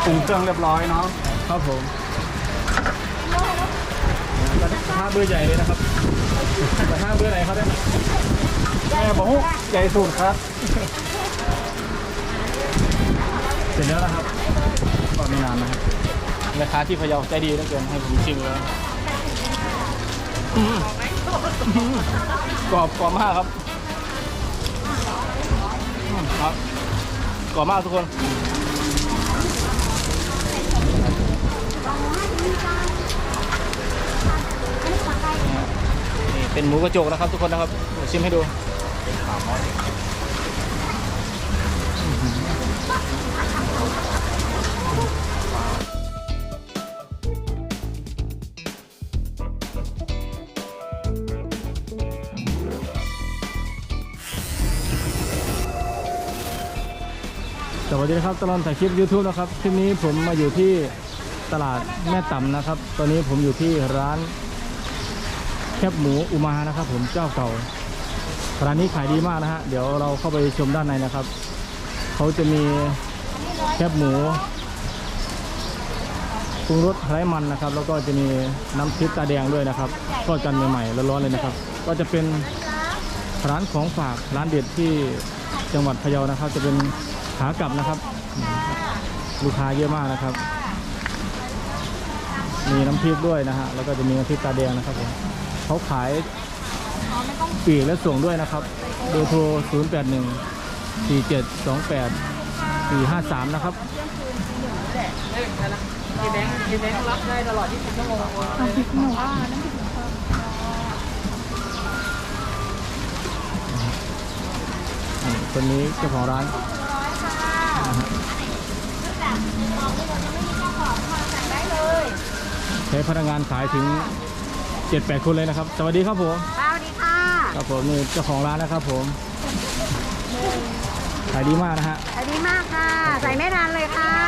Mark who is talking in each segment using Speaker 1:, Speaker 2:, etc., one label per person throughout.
Speaker 1: ปรุงเครื่องเรียบร้อยเนาะครับผมกระทะเบอร์ใหญ่เลยนะครับกระทะเบอร์ไหนครับเนี่ยแม่บอกใหญ่สุดครับเสร็จแล้วนะครับก็ไม่นานนะครับราคาที่พะเยาใจดีเหลือเกินให้ผมชิมเลยกรอบมากครับครับกรอบมากทุกคนนี่เป็นหมูกระจกนะครับทุกคนนะครับเดี๋ยวชิมให้ดูสวัสดีครับตลอดถ่ายคลิป YouTube นะครับคลิปนี้ผมมาอยู่ที่ตลาดแม่ต่ำนะครับตอนนี้ผมอยู่ที่ร้านแคบหมูอุมานะครับผมเจ้าเก่าร้านนี้ขายดีมากนะฮะเดี๋ยวเราเข้าไปชมด้านในนะครับเขาจะมีแคบหมูปรุงรสไร้มันนะครับแล้วก็จะมีน้ำพริกตาแดงด้วยนะครับทอดกันใหม่ๆร้อนๆเลยนะครับก็จะเป็นร้านของฝากร้านเด็ดที่จังหวัดพะเยานะครับจะเป็นขากลับนะครับลูกค้าเยอะมากนะครับมีน้ำพริกด้วยนะฮะแล้วก็จะมีน้ำพริกตาแดงนะครับผมเขาขายปีกและส่งด้วยนะครับเบอร์โทร081-4728-453นะครับ
Speaker 2: กี่แบงค์รับได้ตลอด24 ชั่วโมงน้ำพริกหมูน้ำพริกหมู
Speaker 1: คนนี้เจ้าของร้านใช้พนักงานขายถึง 7-8 คนเลยนะครับสวัสดีครับผม
Speaker 2: สวัสดีค่ะ
Speaker 1: ครับผมนี่เจ้าของร้านนะครับผมขายดีมากนะฮะ
Speaker 2: ขายดีมากค่ะใส่ไม่ทันเลยค่ะ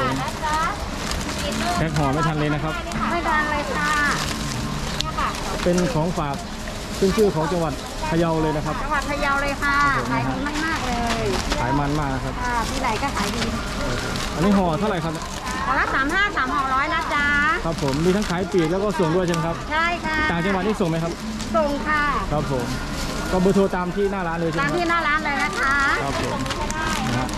Speaker 1: แพ็คห่อไม่ทันเลยนะครับ
Speaker 2: ไม่ทันเลยค่ะ
Speaker 1: เป็นของฝากขึ้นชื่อของจังหวัดพะเยาเลยนะครับ
Speaker 2: จังหวัดพะเยาเลยค่ะขายดีมากๆเลย
Speaker 1: ขายมันมากนะครับ
Speaker 2: ที่ไหนก็ขายดี
Speaker 1: อันนี้ห่อเท่าไหร่ครับ
Speaker 2: ห่อละ35 3ห่อ100นะจ๊ะ
Speaker 1: ครับผมมีทั้งขายปีกแล้วก็ส่งด้วยใช่ไหมครับ
Speaker 2: ใช่ค่ะ
Speaker 1: ต่างจังหวัดนี่ส่งไหมครับ
Speaker 2: ส่งค่ะ
Speaker 1: ครับผมก็เบอร์โทรตามที่หน้าร้านเลยใช่ไหม
Speaker 2: ตามที่หน้าร้านเลยนะคะ
Speaker 1: ครับผมนะฮะ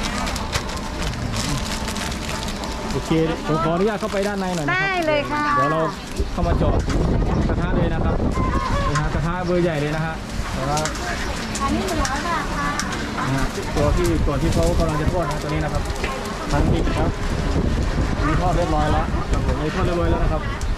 Speaker 1: โอเคผมขออนุญาตเข้าไปด้านในหน่อยนะครับ
Speaker 2: ได้เลยค่ะ
Speaker 1: เดี๋ยวเราเข้ามาเจาะกระทะเลยนะครับกระทะเบอร์ใหญ่เลยนะฮะ
Speaker 2: อันนี้100 บาทค่ะ
Speaker 1: ตัวที่เขากำลังจะทอดนะตัวนี้นะครับพันดิบครับมีทอดเรียบร้อยแล้วผมมีทอดเรียบร้อยแล้วนะครับ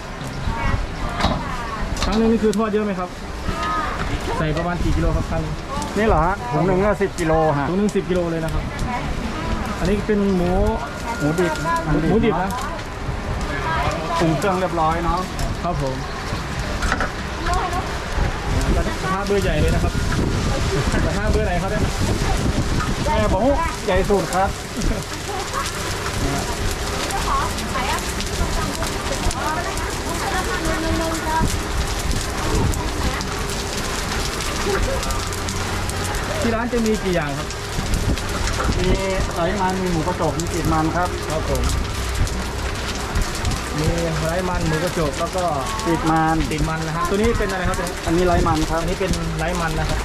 Speaker 1: ครั้งนึงนี่คือทอดเยอะไหมครับใส่ประมาณกี่กิโลครับครั้งนี่เหรอฮะถุงหนึ่งก็10 กิโลฮะถุงหนึ่ง10 กิโลเลยนะครับอันนี้เป็นหมูดิบนะปรุงเครื่องเรียบร้อยเนาะครับผมกระทะเบอร์ใหญ่เลยนะครับกระทะเบอร์ไหนครับเนี่ยแม่บอกใหญ่สุดครับที่ร้านจะมีกี่อย่างครับมีไร้มันมีหมูกระจกมีติดมันครับครับผมมีไร้มันหมูกระจกแล้วก็ติดมันนะฮะตัวนี้เป็นอะไรครับอันนี้ไร้มันครับอันนี้เป็นไร้มันนะครับ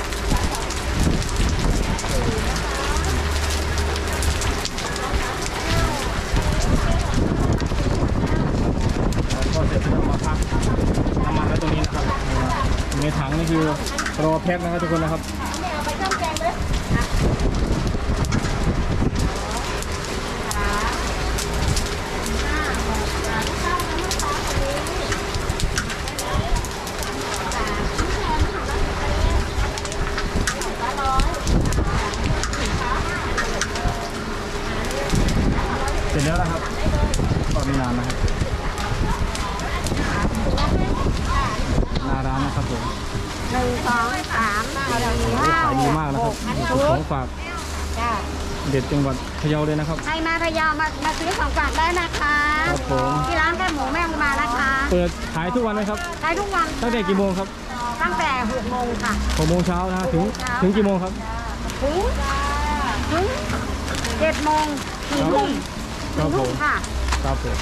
Speaker 1: ก็เสร็จแล้วมาพักน้ำมันแล้วตรงนี้นะครับในถังนี่คือรอแพ็คนะครับทุกคนนะครับเสร็จแล้วนะครับก็ไม่นานนะครับหน้าร้านนะครับผม
Speaker 2: 1 2 3 4 5
Speaker 1: ขายดีมากนะครับของฝากเด็ดจังหวัดพะเยาเลยนะครับ
Speaker 2: ใครมาพะเยามาซื้อของฝากได้นะคะ
Speaker 1: ครับผม
Speaker 2: ที่ร้านแค่หมูแม่อุมานะคะ
Speaker 1: เปิดขายทุกวันไหมครับ
Speaker 2: ขายทุกวัน
Speaker 1: ตั้งแต่กี่โมงครับ
Speaker 2: ตั้งแต่6 โมงค่ะ
Speaker 1: 6 โมงเช้านะถึงกี่โมงครับ
Speaker 2: ถึง7 โมงถึงทุ่ม
Speaker 1: ครับผ
Speaker 2: ลู
Speaker 1: ม
Speaker 2: กค่ะ
Speaker 1: ครับผม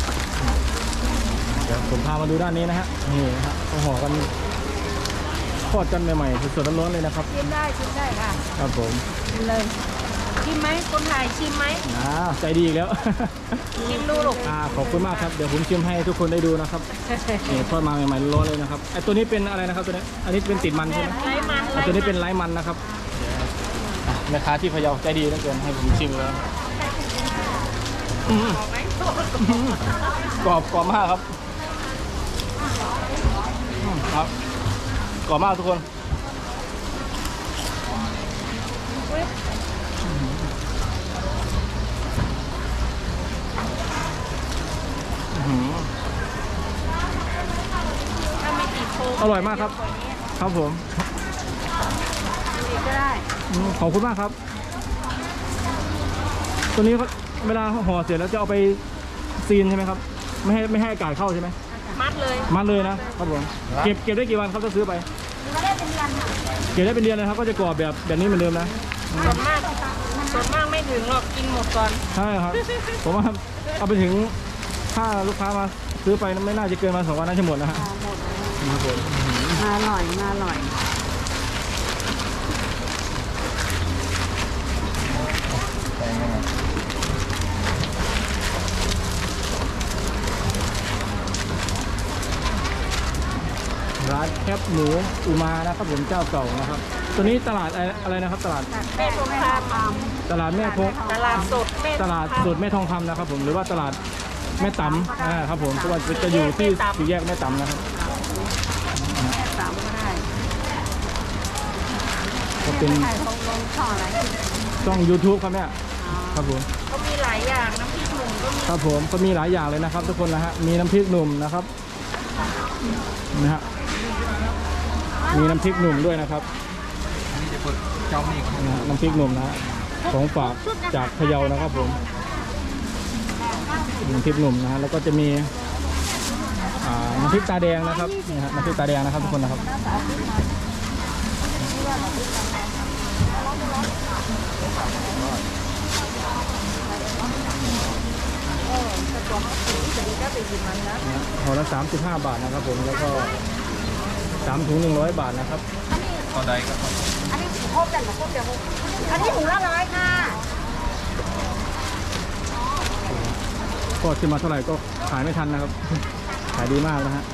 Speaker 1: เดี๋ยวผมพามาดูด้านนี้นะฮะนี่นะฮะเขาห่อกันทอดกันใหม่ๆสดๆร้อนๆเลยนะครับ
Speaker 2: ชิมได้ค่ะ
Speaker 1: ครับผม
Speaker 2: ชิมเลยชิมไหมคนถ่ายชิมไหม
Speaker 1: ใจดีอีกแล้ว
Speaker 2: ชิมดูลูก
Speaker 1: ขอบคุณมากครับเดี๋ยวผมชิมให้ทุกคนได้ดูนะครับนี่ทอดมาใหม่ๆร้อนๆเลยนะครับไอตัวนี้เป็นอะไรนะครับตัวนี้อันนี้เป็นติดมันใช่ไหม
Speaker 2: ไร้มัน
Speaker 1: ตัวนี้เป็นไร้มันนะครับแม่ค้าที่พะเยาใจดีเหลือเกินให้ผมชิมแล้วกรอบมากครับครับกรอบมากทุกคน
Speaker 2: ถ้าไม่ติดโฟม
Speaker 1: อร่อยมากครับครับผม
Speaker 2: ติดก็ได้
Speaker 1: ขอบคุณมากครับตัวนี้เวลาห่อเสร็จแล้วจะเอาไปซีนใช่ไหมครับไม่ให้อากาศเข้าใช่ไหม
Speaker 2: มัดเลย
Speaker 1: มัดเลยนะครับผมเก็บได้กี่วันครับถ้าซื้อไป
Speaker 2: ก็ได้เป็นเดือนค่ะ
Speaker 1: เก็บได้เป็นเดือนนะครับก็จะกรอบแบบนี้เหมือนเดิมนะ
Speaker 2: ส่วนมากไม่ถึงหรอกกินหมดก่อน
Speaker 1: ใช่ครับผมว่าเอาไปถึงถ้าลูกค้ามาซื้อไปไม่น่าจะเกินมา2 วันน่าจะหมดนะฮะ
Speaker 2: หมด
Speaker 1: ครับผม
Speaker 2: มาอร่อยมาอร่อย
Speaker 1: ร้านแคบหมูอุมานะครับผมเจ้าเก่านะครับ ตัวนี้ตลาดอะไรนะครับตลาด
Speaker 2: แม่ทองค
Speaker 1: ตลาดแม่พง
Speaker 2: ำตลาดสดแม่
Speaker 1: ตลาดสดแม่ทองคำนะครับผมหรือว่าตลาดแม่ตำครับผมเพราะว่าจะอยู่ที่สี่แยกแม่ตำนะครับ
Speaker 2: สามก็ได้
Speaker 1: ก็เป็น
Speaker 2: ถ่ายลงช่องอะไร
Speaker 1: ช่อง YouTube ครับเนี่ยครับผม
Speaker 2: ก็มีหลายอย่างน้ำพริกหนุ่มก็มี
Speaker 1: ครับผมก็มีหลายอย่างเลยนะครับ ทุกคนนะฮะมีน้ำพริกหนุ่มนะครับนะฮะมีน้ำพริกหนุ่มด้วยนะครับนะฮะน้ำพริกหนุ่มนะฮะของฝากจากพะเยานะครับผมน้ำพริกหนุ่มนะฮะแล้วก็จะมีน้ำพริกตาแดงนะครับนะฮะน้ำพริกตาแดงนะครับทุกคนนะครับห่อละ35 บาทนะครับผมแล้วก็3 ถุง100 บาทนะครับ
Speaker 3: ต่อใดครับ
Speaker 2: อันนี้ครบแต่ละครบเดี๋ยวอันนี้ถุงละ100ค่ะ
Speaker 1: ก็ขึ้นมาเท่าไหร่ก็ขายไม่ทันนะครับ ขายดีมากนะฮะ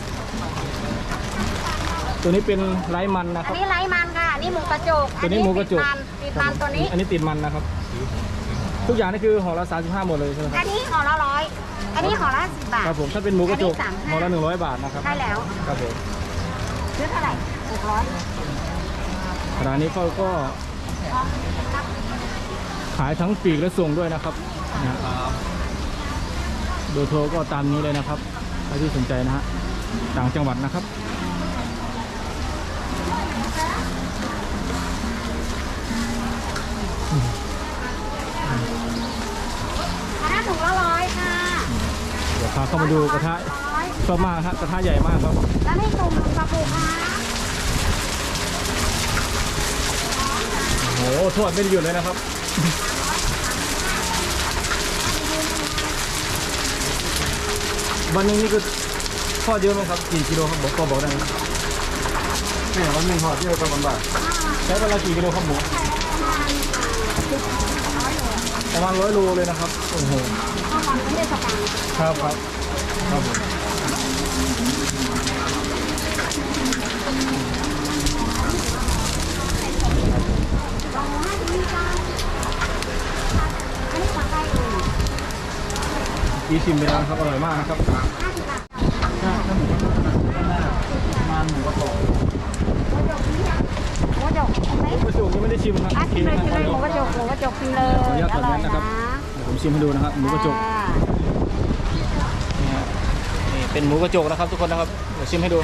Speaker 1: ตัวนี้เป็นไร้มันนะค
Speaker 2: อั
Speaker 1: รั
Speaker 2: น
Speaker 1: บ
Speaker 2: นี้ไร้มันค่ะอันนี้หมูกระจก
Speaker 1: ตัวนี้หมูกระจก
Speaker 2: ติดมันตัวนี้
Speaker 1: อันนี้ติดมันนะครับ ทุกอย่างนี่คือห่อละ35หมดเลยใช่ไหมค
Speaker 2: อั
Speaker 1: รับ
Speaker 2: นนี้ห่อละ100อันนี้ห่อละ10 บาท
Speaker 1: ครับผมถ้าเป็นหมูกระจก
Speaker 2: อันนี้35
Speaker 1: ห่อละ100 บาทนะครับ
Speaker 2: ใช่แล้ว
Speaker 1: ครับผม
Speaker 2: ซื้อเท่าไหร่600
Speaker 1: ร้านนี้เขาก็ขายทั้งปีกและส่งด้วยนะครับนะฮะเบอร์โทรก็ตามนี้เลยนะครับใครที่สนใจนะฮะต่างจังหวัดนะครับ
Speaker 2: อันนั้นถุงละ100ค่ะ
Speaker 1: เดี๋ยวพาเข้ามาดูกระทะ
Speaker 2: 100
Speaker 1: ชอบมากครับกระทะใหญ่มากครับ
Speaker 2: แล้วนี่ถุงกระปุกค่ะ
Speaker 1: โอ้โหทอดไม่ได้หยุดเลยนะครับ วันหนึงนี่คือทอดเยอะไหมครับกี่กิโลครับบอกได้ไหม
Speaker 3: เนี่ยวันหนึ่งห่อที่เราประมาณบาท
Speaker 1: ใช้เวลากี่กิโลครับหมูประมาณ100 โลเลยนะครับโอ้โห
Speaker 2: ข้าวมันไม่ได้สกัง
Speaker 1: ครับครับครับผม
Speaker 2: อันนี้สั่งได้เลย
Speaker 1: อีชิมไปแล้วนะครับอร่อยมากนะครับ
Speaker 2: 50 บาท
Speaker 1: ประมาณหมูกระโดด
Speaker 2: หมูกระจกไหม
Speaker 1: หมูกระโดดยังไม่ได้ชิมครับ
Speaker 2: ชิมเลยชิมเลยหมูกระจกชิมเลย
Speaker 1: ขออนุญาตถอดแมสนะครับเดี๋ยวผมชิมให้ดูนะครับหมูกระจกนี่ฮะนี่เป็นหมูกระจกนะครับทุกคนนะครับเดี๋ยวชิมให้ดู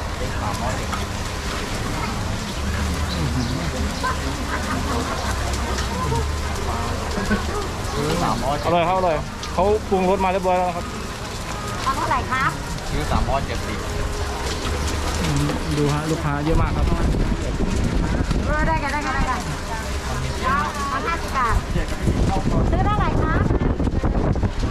Speaker 1: อร่อยครับอร่อยเขาปรุงรสมาเรียบร้อยแล้วนะครับ
Speaker 2: เอาเท่าไหร่ครับ
Speaker 3: ซื้อ370
Speaker 1: ดูฮะลูกค้าเยอะมากครับ
Speaker 2: ได้กันเอา50 บาทซื้อเท่าไหร่ครับ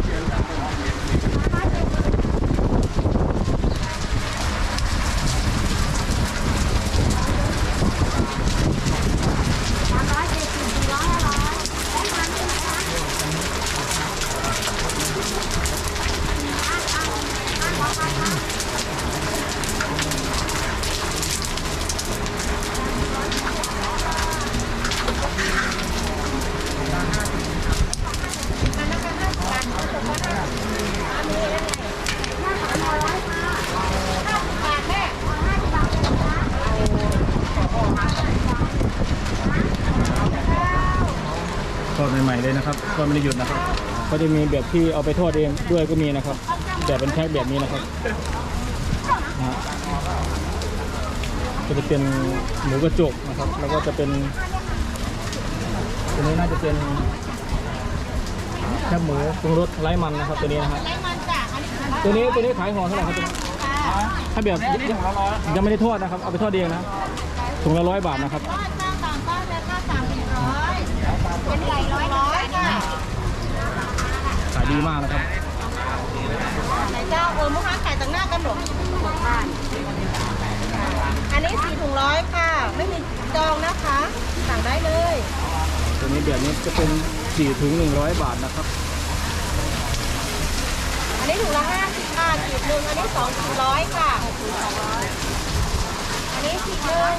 Speaker 1: เลยนะครับก็ไม่ได้หยุดนะครับก็จะมีแบบที่เอาไปทอดเองด้วยก็มีนะครับแบบเป็นแพ็คแบบนี้นะครับนะฮะก็จะเป็นหมูกระจกนะครับ แล้วก็จะเป็นตัวนี้น่าจะเป็นแคบหมูปรุงรสไร้มันนะครับตัวนี้นะฮะตัวนี้ขายห่อเท่าไหร่ครับตัวนี้ถ้าแบบยังไม่ได้ทอดนะครับเอาไปทอดเองนะถุงละ100 บาทนะครับ
Speaker 2: เป็นไก่100ค่ะ
Speaker 1: ขายดีมากนะครับ
Speaker 2: ไหนเจ้ามุกค้าไก่ต่างหน้ากันหรออันนี้4ถุง100ค่ะไม่มีจองนะคะสั่งได้เลย
Speaker 1: ตัวนี้แบบนี้จะเป็น4ถุง100 บาทนะครับ
Speaker 2: อันนี้ถุงละ50ค่ะขีดหนึ่งอันนี้2ถุง100ค่ะอันนี้ขีดหนึ่ง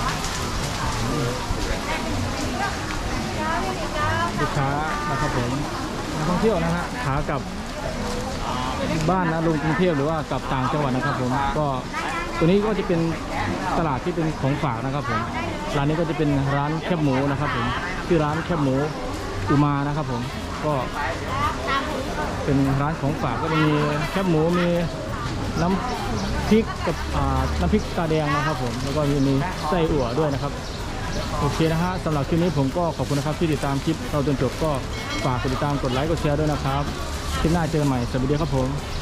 Speaker 1: ลูกค้านะครับผมนักท่องเที่ยวนะฮะขากลับบ้านนะลงกรุงเทพหรือว่ากลับต่างจังหวัดนะครับผมก็ตัวนี้ก็จะเป็นตลาดที่เป็นของฝากนะครับผมร้านนี้ก็จะเป็นร้านแคบหมูนะครับผมชื่อร้านแคบหมูอุมานะครับผมก็เป็นร้านของฝากก็จะมีแคบหมูมีน้ำพริกกับน้ำพริกตาแดงนะครับผมแล้วก็มีไส้อั่วด้วยนะครับโอเคนะฮะสำหรับคลิปนี้ผมก็ขอบคุณนะครับที่ติดตามคลิปเราจนจบก็ฝากกดติดตามกดไลค์กดแชร์ด้วยนะครับคลิปหน้าเจอกันใหม่สวัสดีครับผม